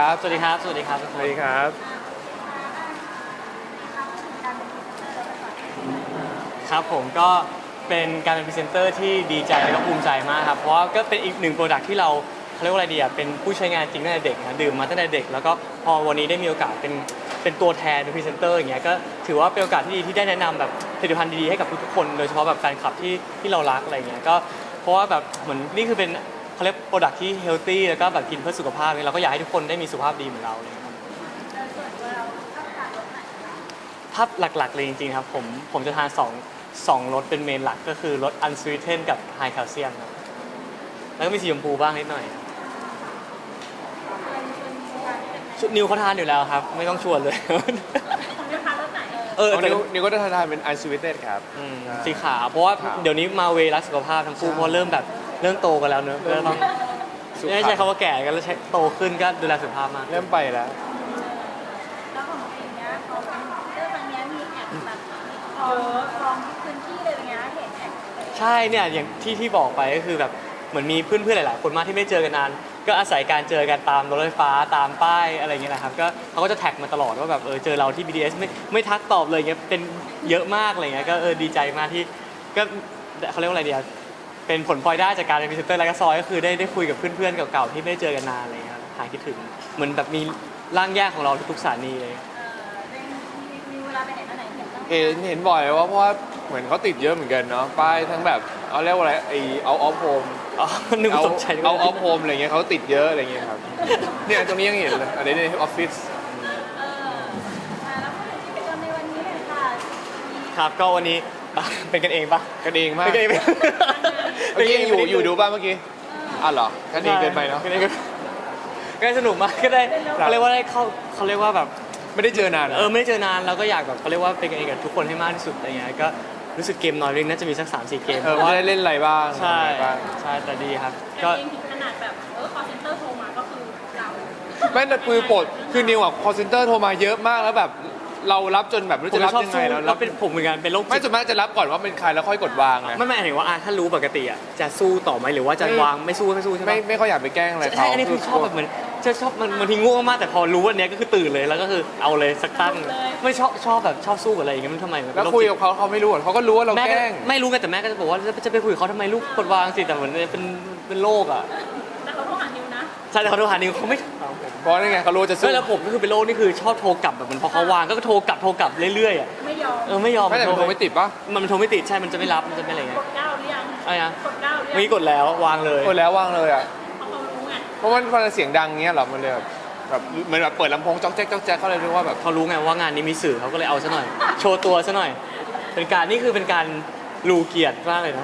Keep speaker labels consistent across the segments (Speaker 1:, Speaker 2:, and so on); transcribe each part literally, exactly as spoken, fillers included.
Speaker 1: ครับ
Speaker 2: สวัสดีครับสวัสดีครับ
Speaker 1: สวัสดีครับ
Speaker 2: ครับผมก็เป็นการเป็นพรีเซนเตอร์ที่ดีใจและก็ภูมิใจมากครับเพราะว่าก็เป็นอีกหนึ่งโปรดักที่เราเขาเรียกว่าอะไรดีอ่ะเป็นผู้ใช้งานจริงตั้งแต่เด็กนะดื่มมาตั้งแต่เด็กแล้วก็พอวันนี้ได้มีโอกาสเป็นเป็นตัวแทนเป็นพรีเซนเตอร์อย่างเงี้ยก็ถือว่าเป็นโอกาสที่ดีที่ได้แนะนำแบบผลิตภัณฑ์ดีๆให้กับทุกๆคนโดยเฉพาะแบบแฟนคลับที่ที่เรารักอะไรเงี้ยก็เพราะว่าแบบเหมือนนี่คือเป็นเขาเรียกโปรดักที่เฮลตี้แล้วก็แบบกินเพื่อสุขภาพเนี่ยเราก็อยากให้ทุกคนได้มีสุขภาพดีเหมือนเราเลยครับภาพหลักๆเลยจริงๆครับผมผมจะทานสองสองรสเป็นเมนหลักก็คือรสอันสวีเทนกับไฮแคลเซียมครับแล้วก็มีสีชมพูบ้างนิดหน่อยชุดนิวเขาทานอยู่แล้วครับไม่ต้องชวนเลยเออแต่
Speaker 1: นิวนิวก็จะทานเป็น unsweetened ครับ
Speaker 2: อืมสีขาวเพราะว่า
Speaker 1: ขาว
Speaker 2: เดี๋ยวนี้มาเวรักสุขภาพทั้งคู่เพราะเริ่มแบบเริ่มโตกันแล้วเนอะก็ต้อง
Speaker 1: สุข
Speaker 2: ไม่ใช่คำว่าแก่กันแล้วใช้โตขึ้นก็ดูแลสุขภาพมาก
Speaker 1: เริ่มไปแล้ว
Speaker 3: แล้วของเองเนี้ยเขาเป็นเรื่องครั้งเนี้ยมีแอบแบบคลองคลองพื้นที่เลยอย่างเงี้ยเห็นแอบ
Speaker 2: ใช่เนี่ยอย่างที่ที่บอกไปก็คือแบบเหมือนมีเพื่อนๆหลายๆคนมากที่ไม่เจอกันนานก็อาศัยการเจอกันตามรถไฟฟ้าตามป้ายอะไรเงี้ยนะครับก็เขาก็จะแท็กมาตลอดว่าแบบเออเจอเราที่ บี ที เอส ไม่ไม่ทักตอบเลยเงี้ยเป็นเยอะมากอะไรเงี้ยก็เออดีใจมากที่ก็เขาเรียกว่าอะไรเดียเป็นผลพลอยได้จากการเป็นพรีเซนเตอร์แล้วก็ซอยก็คือได้ได้คุยกับเพื่อนๆเก่าๆที่ไม่ได้เจอกันนานอะไรเงี้ยหายคิดถึงเหมือนแบบมีร่างแยกของเราทุกๆสถานีเลย
Speaker 3: เออเป็นมีมีเวลาไปไหนมาไหนเห็นบ้าง
Speaker 1: เห็นเห็นบ่อยว่าเพราะว่าเหมือนเขาติดเยอะเหมือนกันเนาะป้ายทั้งแบบเอาเรียกว่าอะไรไอเอาออฟโฮม
Speaker 2: อ๋อนึก
Speaker 1: เอา
Speaker 2: ว่าตกใจนึก
Speaker 1: เอา
Speaker 2: ว่า
Speaker 1: ออฟโฮมอะไรเงี้ยเขาติดเยอะอะไรเงี้ยครับเนี่ยตรงนี้ยังเห็นเลยอันนี้ในออฟฟิศ
Speaker 3: เอออ่าแล้วพูดถึงกิจกรรมในวันนี้หน่อยค่ะมี
Speaker 2: ครับก็วันนี้ เป็นกันเองปะ
Speaker 1: กันเองมาก
Speaker 2: เป็นกันเอง
Speaker 1: เมื่อกี้ยังอยู่อยู่ดูบ้างเมื่อกี้อ่ะเหรอกันเองเกินไปเนาะ
Speaker 2: ก็ได้ก็ได้สนุกมากก็ได้
Speaker 1: ครับ
Speaker 2: เขาเรียกว่าได้เข้าเขาเรียกว่าแบบ
Speaker 1: ไม่ได้เจอนาน
Speaker 2: เออไม่ได้เจอนานเราก็อยากแบบเขาเรียกว่าเป็นกันเองกับทุกคนให้มากที่สุดอะไรเงี้ยก็รู้สึกเกมน้อยเรื่องน่าจะมีสักสามสี่เกม
Speaker 1: เออไม่ได้เล่นอะไรบ้าง
Speaker 2: ใช่
Speaker 1: อะไรบ้าง
Speaker 2: ใช่แต่ดีครับ
Speaker 3: ก็
Speaker 2: ก็
Speaker 3: เองถึงขนาดแบบเออคอเซ็นเตอร์โทรมาก็คือเรา
Speaker 1: แม่แต่ปือปลดคือนิวอ่ะคอเซนเตอร์โทรมาเยอะมากแล้วแบบเรารับจนแบบไม่รู้
Speaker 2: ผม
Speaker 1: จะรับ
Speaker 2: ชอบ
Speaker 1: ยังไง
Speaker 2: สู้
Speaker 1: แล้ว
Speaker 2: แล้วเป็นผมเหมือนกันเป็นโรค
Speaker 1: ไม่
Speaker 2: จิต
Speaker 1: ส่วนมากจะรับก่อนว่าเป็นใครแล้วค่อยกดวางนะ
Speaker 2: ไม่ไม่หมายถึงว่าอ่ะถ้ารู้ปกติอ่ะจะสู้ต่อไหมหรือว่าจะ
Speaker 1: ไม่
Speaker 2: วางไม่สู้ไม่สู้ใช่ไหม
Speaker 1: ไม่ไม่ค่อยอยากไปแกล้งอะไรเขา
Speaker 2: ใช่อันนี้คือชอบแบบเหมือนจะชอบมันบางทีง่วงมากแต่พอรู้วันนี้ก็คือตื่นเลยแล้วก็คือเอาเลยสักตั้งไม่ชอบชอบแบบชอบสู้กับอะไรอย่างเงี้ยมันทำไมมัน
Speaker 1: แล้วคุยกับเขาเขาไม่รู้หรอกเขาก็รู้ว่าเรา
Speaker 2: แม่
Speaker 1: แก
Speaker 2: ก็
Speaker 1: ล้ง
Speaker 2: ไม่รู้ไงแต่แม่ก็จะบอกว่าจะไปคุยกับเขาทำไมลูกกดวางสิแต่เหมือนเป็นเป็นโรคอ่ะ
Speaker 3: แต่เขาโทรหานิวนะ
Speaker 2: ใช่แต่เขาโทรหานิวเขาไม่ถามผม
Speaker 1: เพราะนั่นไงเขารู้จะสู้
Speaker 2: ไม่แล้วผมก็คือเป็นโรคนี่คือชอบโทรกลับแบบเหมันพอเขาวางก็โทรกลับโทรกลับเรื่อยๆอ่ะ
Speaker 3: ไม่ยอม
Speaker 2: เออไม่ยอม
Speaker 1: ไม่แต่มันโทรไม่ติดปะ
Speaker 2: มันโทรไม่ติดใช่มันจะไม่รับมันจะไม่อะไร
Speaker 3: ก
Speaker 2: เงี้ย
Speaker 3: ดเก้าหรือยัง
Speaker 2: อะไรนะ
Speaker 3: กดเก้าหรือ
Speaker 2: เมื่อ
Speaker 3: ยัง
Speaker 2: กี้กดแล้ววางเลย
Speaker 1: กดแล้ววางเลยอ่ะ
Speaker 3: เพราะเขารู้ไง
Speaker 1: เพราะมันพอเสียงดังเงี้ยเหรอมันเลยแบบแบบเหมือนแบบเปิดลำโพงจ๊อกแจ๊กจ๊อกแจ๊กเขาเลยรู้ว่าแบบ
Speaker 2: เขารู้ไงว่างานนี้มีสื่อเขาก็เลยเอาซะหน่อย โชว์ตัวซะหน่อย เป็นการนี่คือเป็นการรูเกียรติมากเลยนะ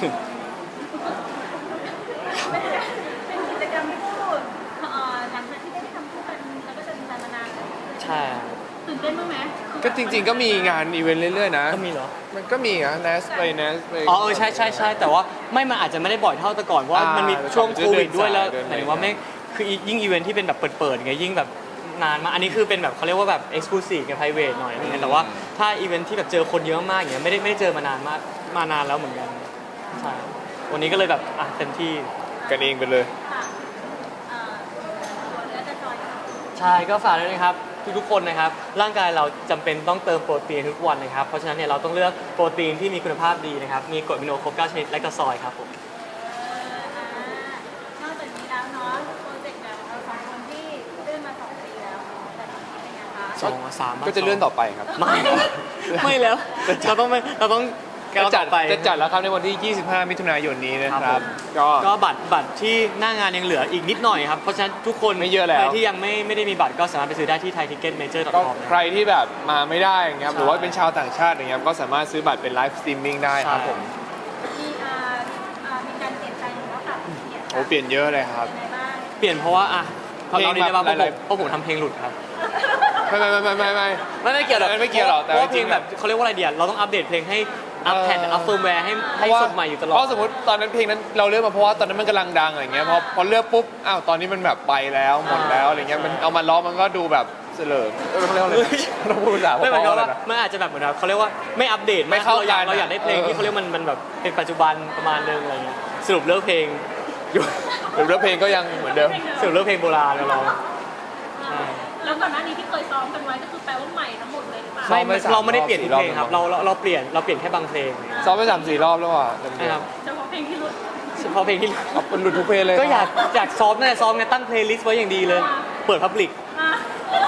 Speaker 3: เป็นกิจกรรมคู่เอ่อหลังจากที่ได้ทำคู่กันแล้วก็จะมีการมานานแล้ว
Speaker 2: ใช่
Speaker 3: ตื่นเต้นบ้างไหม
Speaker 1: ก็จริง ๆ ก็มีงานอีเวนต์เรื่อยๆนะ
Speaker 2: ก็มีเหรอ
Speaker 1: มันก็มีอะเนสไปเนสไป
Speaker 2: อ๋อเออใช่ใช่ใช่แต่ว่าไม่มันอาจจะไม่ได้บ่อยเท่าแต่ก่อนเพราะว่า
Speaker 1: อ่ามั
Speaker 2: มันมีช่วง
Speaker 1: เดิ
Speaker 2: โคน วิดด้วยแล้ว
Speaker 1: เดินสาย
Speaker 2: หมายถึงว่าไม่คือยิ่งอีเวนท์ที่เป็นแบบเปิดๆไงยิ่งแบบนานมากอันนี้คือเป็นแบบเขาเรียกว่าแบบเอ็กซ์คลูซีฟกับไพรเวทหน่อยอะไรเงี้ยแต่ว่าถ้าอีเวนท์ที่แบบเจอคนเยอะมากอย่างเงี้ยไม่ได้ไม่ได้เจอมานานมากมานานแล้วเหมือนกันใช่วันนี้ก็เลยแบบอ่ะเต็มที่
Speaker 1: กันเองไปเลย
Speaker 3: ค่ะเอ่อตัวเนื้อจะจอย
Speaker 2: ใช่ก็ฝากด้วยนะครับทุกๆคนนะครับร่างกายเราจำเป็นต้องเติมโปรตีนทุกวันนะครับเพราะฉะนั้นเนี่ยเราต้องเลือกโปรตีนที่มีคุณภาพดีนะครับมีกรดอะมิโนครบเก้าชนิดและก็ซอยครับผม
Speaker 3: เอ่ออ่านอกจากนี้แล้วเนาะโปรเจกต์แบบเราสองคนที่เลื่อนมาสองปีแล้วแต่ตอนนี้เป็นไงคะ
Speaker 2: สองสามบ้าง
Speaker 1: ก็จะเลื่อนต่อไปครับ
Speaker 2: ไม่ ไม่แล้วเราต้องไม่เราต้อง
Speaker 1: จะจัด
Speaker 2: ไป
Speaker 1: จะจัดแล้วครับในวันที่ ยี่สิบห้า มิถุนายนนี้นะค
Speaker 2: ครั
Speaker 1: รับ
Speaker 2: บ
Speaker 1: ก็
Speaker 2: ก็บัตรบัตรที่หน้างานยังเหลืออีกนิดหน่อยครับเพราะฉะนั้นทุกคน
Speaker 1: ไม่เยอะแล้ว
Speaker 2: ใครที่ยังไม่ไม่ได้มีบัตรก็สามารถไปซื้อได้ที่ไทยทิกเก็ตเมเจอร์
Speaker 1: ก็
Speaker 2: คอม
Speaker 1: ใครที่แบบมาไม่ได้อย่างเงี้ยครับ
Speaker 2: ใช่
Speaker 1: หรือว่าเป็นชาวต่างชาติอย่างเงี้ยครับก็สามารถซื้อบัตรเป็นไลฟ์สตรีมมิ่งได้ครับผม
Speaker 3: มีอ่าอ่ามีการเปลี่ยนแปลงหรือว่าปรับเปลี่ยน
Speaker 1: โอ้เปลี่ยนเยอะเลยครับ
Speaker 3: ยังไงบ้าง
Speaker 2: เปลี่ยนเพราะว่าอ่ะ
Speaker 1: เพลง
Speaker 2: เรานี้ได้ป่ะเพ
Speaker 1: แบบ
Speaker 2: ราะ
Speaker 1: ห
Speaker 2: ผ
Speaker 1: ลาย
Speaker 2: ม
Speaker 1: ๆ
Speaker 2: เพราะผมทำเพลงหลุดครับ
Speaker 1: ไม่ไม่ไม่ไม่ไม่ไม่
Speaker 2: ไม่ไม่เกี่ยวหรอก
Speaker 1: ไม่เกี่ยวหรอกแต่
Speaker 2: เพราะว่า
Speaker 1: จ
Speaker 2: เพ
Speaker 1: ริ
Speaker 2: ลง
Speaker 1: งๆ
Speaker 2: แบบเขาเรียกว่าอะไรเดียเราต้องอัปเดตเพลงให้อัปแพดอัปเฟิร์มแวร์ให้ให้สดใหม่อยู่ตลอด
Speaker 1: เพราะสมมติตอนนั้นเพลงนั้นเราเลือกมาเพราะว่าตอนนั้นมันกำลังดังอะไรเงี้ยพอพอเลือกปุ๊บอ้าวตอนนี้มันแบบไปแล้วหมดแล้วอะไรเงี้ยมันเอามาล้อมันก็ดูแบบเสลิมเออเขาเรียกว่าอะไรนะเราพูดภาษา
Speaker 2: ไม่เหมือนกับ
Speaker 1: พ่อๆเล
Speaker 2: ว่าย
Speaker 1: นะ
Speaker 2: มันอาจจะแบบเหมือนแบบเขาเรียกว่าไม่อัปเดต
Speaker 1: ไม่เข้า
Speaker 2: เราอยาก
Speaker 1: กัน
Speaker 2: เราอยากได้เพลง
Speaker 1: เออ
Speaker 2: ที่เขาเรียกมันมันแบบเป็นปัจจุบันประมาณนึงอะไรเงี้ยสรุปเลือกเพลงอยู่
Speaker 1: หรือเพลงก็ยังเหมือนเดิม
Speaker 2: สรุปเลือกเพลงโบราณเราลอง
Speaker 3: โแล้วก่อนหน้านี้ที่เคยซ้อมกันไว้ก็คือแปลว่าใหม่ทั้งหมดเลยหรือเปล่า
Speaker 1: ซ้อ
Speaker 2: ไม่
Speaker 1: มไปสาม
Speaker 2: เราไม่ได้เปลี่ยนทุกเพลง
Speaker 1: รอบ
Speaker 2: ครับเราเราเราเปลี่ยนเราเปลี่ยนแค่บางเพลง
Speaker 1: ซ้อมไปสามสี่รอบแล้วอ่ะเต็ม
Speaker 2: นะครับ
Speaker 3: เฉพาะเพลงที่หลุด
Speaker 2: เฉพาะเพลงที่
Speaker 1: ๆเอาเป็นหลุดทุกเพลงเลย
Speaker 2: ก็อยากอยากซ้อมนั่นแหละซ้อมไงตั้งเพลย์ลิสต์ไว้อย่างดีเลย เปิดพับลิก
Speaker 3: อ่ะ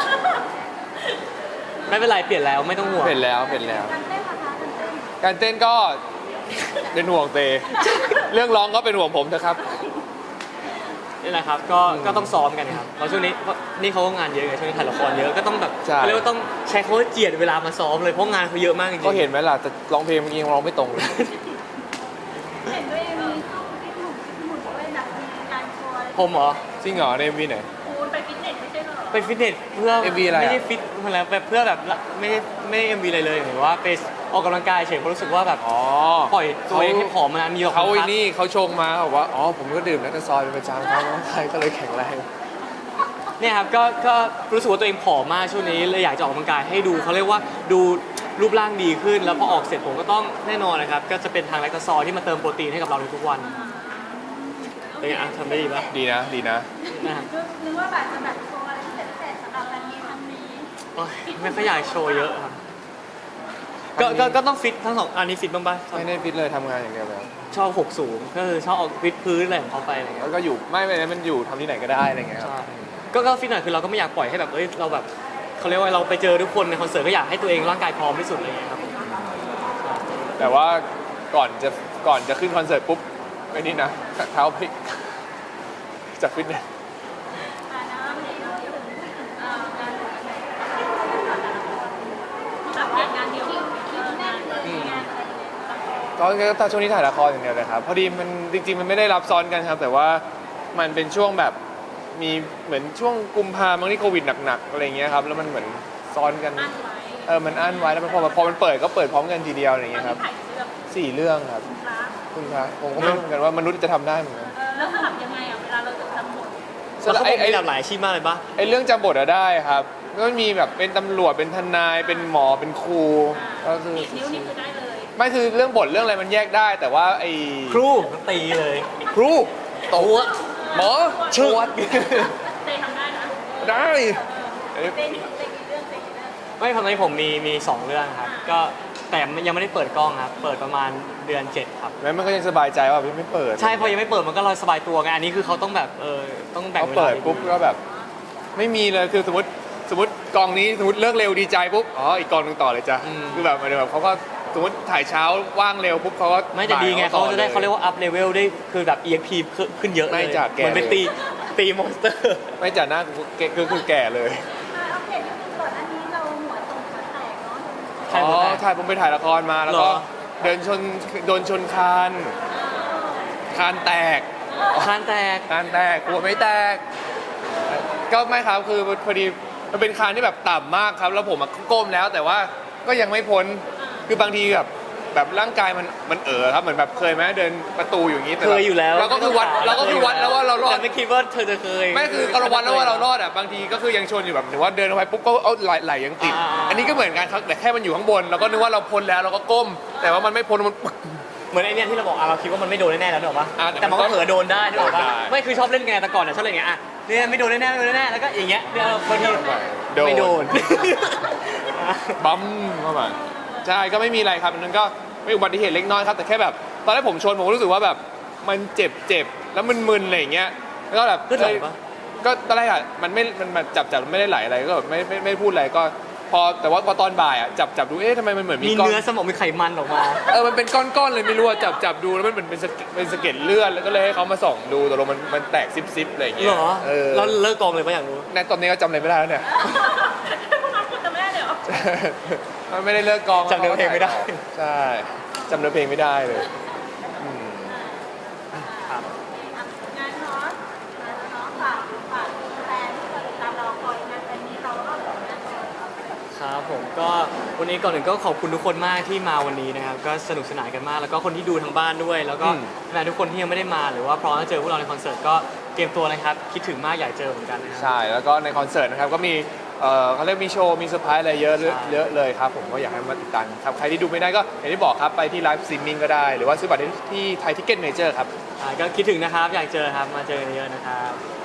Speaker 2: ไม่เป็นไรเปลี่ยนแล้วไม่ต้องห่วง
Speaker 1: เป็นแล้วเป็นแล้ว
Speaker 3: การเต้นนะคะการเต้น
Speaker 1: การเต้นก็เป็นห่วงเต เรื่องร้องก็เป็นห่วงผมนะครับ
Speaker 2: นี่แหละครับก็ก็ต้องซ้อมกันครับเพราะช่วงนี้นี่เขาก็งานเยอะไงช่วงนี้ถ่ายละครเยอะก็ต้องแบบ
Speaker 1: ใช่
Speaker 2: เขาเรียกว่าต้องใช้คำว่าเจียดเวลามาซ้อมเลยเพราะงานเขาเยอะมากจริงๆ
Speaker 1: ก็เห็นไหมล่ะแต่ร้องเพลงเมื่อกี้ยังร้องไม่ตรงเลย
Speaker 3: เห็นตัวเองมีเข้าฟิตหมุนฟิตหมุนด้วยแบบมีการโชว์
Speaker 2: ผมเหรอ
Speaker 1: จริงเหรอในวีไหน
Speaker 3: คูณไปฟิตเนสไม่ใช่เหรอ
Speaker 2: ไปฟิตเนสเพื่อ
Speaker 1: เอ็มวีอะไรอะ
Speaker 2: ไม่ได้ฟิตอะไรแบบเพื่อแบบไม่ได้ไม่ได้เอ็มวีอะไรเลยหรือว่าไปออกกำลังกายเฉยเพราะรู้สึกว่าแบบ
Speaker 1: อ๋อ
Speaker 2: ปล่อยตัวเองให้ผอมมานานมีออก
Speaker 1: เขา
Speaker 2: กำลัง
Speaker 1: ไอ้
Speaker 2: กาย
Speaker 1: นี่เขาชงมาเขาบอกว่าอ๋อผมก็ดื่มแลคโตซอยเป็นประจำครับน้องชายก็เลยแข็งแรง
Speaker 2: เนี่ยครับก็ก็รู้สึกว่าตัวเองผอมมากช่วงนี้เลยอยากจะออกกำลังกายให้ดูเขาเรียกว่าดูรูปร่างดีขึ้น แล้วพอออกเสร็จผมก็ต้องแน่นอนนะครับก็จะเป็นทางแลคโตซอยที่มาเติมโปรตีนให้กับเราในทุกวันเป็นไงอ่ะทำได้ดีปะ
Speaker 1: ดีนะดีนะ
Speaker 2: นะครับ
Speaker 3: นึกว่าแบบจะแบบโชว์อะไรพิเศษพิเศษสำหรับวันนี้ครั้งนี้
Speaker 2: โอ๊ยไม่ค่อยอยากโชว์เยอะครับก็ก็ก็ต้องฟิตทั้งสองอันนี้ฟิตบ้างปะ
Speaker 1: ไม่ได้ฟิตเลยทำงานอย่างเดียวเลย
Speaker 2: ชอบหกสูงก็คือชอบออกฟิตพื้นอะไรของเขาไปอะไรเงี้ย
Speaker 1: แล้วก็อยู่ไม่ไม่มันอยู่ทำที่ไหนก็ได้อะไรเงี้ยครับ
Speaker 2: ใช่ก็ก็ฟิตหน่อยคือเราก็ไม่อยากปล่อยให้แบบเอ้ยเราแบบเขาเรียกว่าเราไปเจอทุกคนในคอนเสิร์ตก็อยากให้ตัวเองร่างกายพร้อมที่สุดอะไรเงี้ยครับ
Speaker 1: แต่ว่าก่อนจะก่อนจะขึ้นคอนเสิร์ตปุ๊บไอ้นี่นะเท้าพลิกจากฟิตเนส
Speaker 3: อ่านะวันนี้เราพูดถึงเอ่อการแบบงานงานเดียวคิวแน่นเลยงานอะไรอย่างเงี้ย
Speaker 1: ตอนนี้ตอนช่วงนี้ถ่ายละครอย่างเดียวเลยครับพอดีมันจริงๆมันไม่ได้รับซ้อนกันครับ แต่ว่ามันเป็นช่วงแบบมีเหมือนช่วงกุมภาพันธ์ที่โควิดหนักๆอะไรเงี้ยครับแล้วมันเหมือนซ้อนกัน
Speaker 3: อั้นไว้
Speaker 1: เออมันอั้นไว้แล้วมันพอพอมันเปิดก็เปิดพร้อมกันทีเดียวอะไร
Speaker 3: ตอน
Speaker 1: เงี้ย
Speaker 3: นี้
Speaker 1: ครับ
Speaker 3: ถ่ายเรื่อง
Speaker 1: สี่เรื่องครับ
Speaker 3: พระ
Speaker 1: คุณพระผมก็ไม่รู้เหมือนกันว่ามนุษย์จะทำได้เหมือนกัน
Speaker 3: เออแล้วสลับยังไงอ่ะเวลาเราจะทำบท
Speaker 2: แล้วเขา
Speaker 1: ไอ้
Speaker 2: บอก
Speaker 1: ไอ้
Speaker 2: มีหลากหลายอาชีพมากเลยปะ
Speaker 1: ไอ้เรื่องจำบทอะได้ครับก็มีแบบเป็นตำรวจเป็นทนายเป็นหมอเป็นครูก็คือ
Speaker 3: ดีดนิ้วนี่คือได้เลย
Speaker 1: ไม่คือเรื่องบทเรื่องอะไรมันแยกได้ แต่ว่าไอ้
Speaker 2: ครูตีเลย
Speaker 1: ครูโตัวหมอชวด
Speaker 3: เตยทำได้นะ
Speaker 1: ได้เอ้ย
Speaker 3: เตยเตยกี่เรื่องเตยกี่เรื่อง
Speaker 2: ไม่ตอนนี้ผมมีมีสองเรื่องครับก็แต่ยังไม่ได้เปิดกล้องครับเปิดประมาณเดือนเจ็ดครับ
Speaker 1: แม้มันก็ยังสบายใจว่าพี่ไม่เปิด
Speaker 2: ใช่พอยังไม่เปิดมันก็รอสบายตัวไงอันนี้คือเขาต้องแบบเออต้องแบ่ง
Speaker 1: เขา
Speaker 2: เวลา
Speaker 1: เปิดปุ๊บก็แบบ ไม่มีเลยคือสมมติสมมติกองนี้สมมติเลิกเร็วดีใจปุ๊บอ๋ออีกกองหนึงต่อเลยจ้ะคือแบบหมายถึงแบบเขาก็สมมติถ่ายเช้าว่างเร็วปุ๊บเขาก็
Speaker 2: ไม่แต่ดีไง
Speaker 1: บ่
Speaker 2: เขา
Speaker 1: ต่อ
Speaker 2: จะได้เขาเรียกว่าอัพเลเวลได้คือแบบ อี เอ็ก พี ขึ้นเยอะเลย
Speaker 1: ไม่จ้ะแก
Speaker 2: เหมือนเป็นตีตีมอนสเตอร์
Speaker 1: ไม่จ่าหน้ากูแก่คือคือแก่เลย
Speaker 3: อ่าโอเคนี่คือก่อนอันนี้เราหัวตรงหัวแตกเนาะ
Speaker 2: ใช่
Speaker 1: อ๋
Speaker 2: หัว
Speaker 1: อ
Speaker 2: แตก
Speaker 1: ถ่ายผมไปถ่ายละครมาแล้วก็
Speaker 2: เหรอ
Speaker 1: เดินชนโดนชนคานคานแตก
Speaker 2: คานแตก
Speaker 1: คานแตกกลัวไม่แตก ก็ไม่ครับคือพอดีมันเป็นคานที่แบบต่ำมากครับ แล้วผมอะก้มแล้วแต่ว่าก็ยังไม่พ้นคือบางทีแบบแบบร่างกายมันมันเอ๋อครับเหมือนแบบเคยไหมเดินประตูอยู่อย่างนี้แต่
Speaker 2: เค
Speaker 1: แบบ
Speaker 2: ยอยู่แล้ว
Speaker 1: เราก็คือวัดเราก็คือวัดแล้วว่าเรารอด
Speaker 2: แต่ไม่คิดว่าเธอจะเคย
Speaker 1: ไม่คือเราวัดแล้วว่าเรารอดอ่ะบางทีก็คือยังชนอยู่แบบหรือว่าเดินเข้าไปปุ๊บก็เอาไหลไหลยังติด
Speaker 2: อ่า
Speaker 1: อันนี้ก็เหมือนกันครับแต่แค่มันอยู่ข้างบนเราก็นึกว่าเราพ้นแล้วเราก็ก้ม แต่ว่ามันไม่พ้นมัน
Speaker 2: เหมือนไอเนี้ยที่เราบอกอ่ะเราคิดว่ามันไม่โดนแน่ๆแล้วนึกออกปะ
Speaker 1: อ่าแต่
Speaker 2: แต่มันก็
Speaker 1: มันก็
Speaker 2: เผลอโดนได้นึกออกปะ
Speaker 1: ได้
Speaker 2: ไม่คือชอบเล่นไงแต่ก่อนอ่ะชอบเล่นไงอ่ะเนี่ยไม่โดนแน่ๆไม่โดนแน่ๆแล้วก็อย่างเงี้ยเนี่ยบางที
Speaker 1: โดน
Speaker 2: ไม่โดน
Speaker 1: บั๊มเข้ามาใช่ก็ไม่มีอะไรครับอันนั้นก็เป็นอุบัติเหตุเล็กน้อยครับแต่แค่แบบตอนแรกผมชนผมก็รู้สึกว่าแบบมันเจ็บเจ็บแล้วมึนๆอะไรอย่างเงี้ยแล้วก็แบบ
Speaker 2: ขึ้นไหลปะ
Speaker 1: ก็ตอนแรกอ่ะมันไม่มันมันจับจับไม่ได้ไหลอะไรก็แบบไม่ไม่ไม่พูดอะไรก็พอแต่ว่าพอตอนบ่ายอ่ะจับจับดูเอ๊ะทำไมมันเหมือนมี
Speaker 2: มี
Speaker 1: ก้อน
Speaker 2: เนื้อสมองมีไขมันออกมา
Speaker 1: เออมันเป็นก้อนๆเลยไม่รู้อะจับจับดูแล้วมันเหมือนเป็นสะเก็ดเป็นสะเก็ดเลือดแล้วก็เลยให้เขามาส่องดูแต่ลงมันมันแตกซิบๆอะไรอย่างเงี้ย
Speaker 2: เหรอ
Speaker 1: เออ
Speaker 2: แล้วเลิกกองเลยปะอยากรู้
Speaker 1: ในตอนนี้ก็จำอะไรไม่ได้แล้วเนี่ย
Speaker 3: พวกนั้นคุณจะไม่ได้เลยเหรอ
Speaker 1: มันไม่ได้เลิกกอง
Speaker 2: จำเนื้อเพลงไม่ได้
Speaker 1: ใช่จำเนื้อเพลงไม่ได้เลยอืม
Speaker 2: ครับ
Speaker 3: งานเนาะงานเนาะฝากฝากแฟนที่ติดตามเราคอยงานวันนี้เราก็แบบงาน
Speaker 2: ครับผมก็วันนี้ก่อนอื่นก็ขอบคุณทุกคนมากที่มาวันนี้นะครับก็สนุกสนานกันมาก แล้วก็คนที่ดูทางบ้านด้วย แล้วก็แฟนทุกคนที่ยังไม่ได้มาหรือว่าพร้อมจะเจอพวกเราในคอนเสิร์ตก็เตรียมตัวนะครับคิดถึงมากอยากเจอเหมือนกันนะครับ
Speaker 1: ใช่แล้วก็ในคอนเสิร์ตนะครับก็มีเอ่อเขาเรียกมีโชว์มีเซอร์ไพรส์อะไรเยอะเยอะ
Speaker 2: ใช่
Speaker 1: เยอะเลยครับผมก็อยากให้มาติดตามครับใครที่ดูไม่ได้ก็อย่างที่บอกครับไปที่ไลฟ์สตรีมมิ่งก็ได้ หรือว่าซื้อบัตรได้ที่ไทยทิกเก็ตเมเจอร์ครับ
Speaker 2: อ่าก็คิดถึงนะครับอยากเจอครับมาเจอกันเยอะๆนะครับ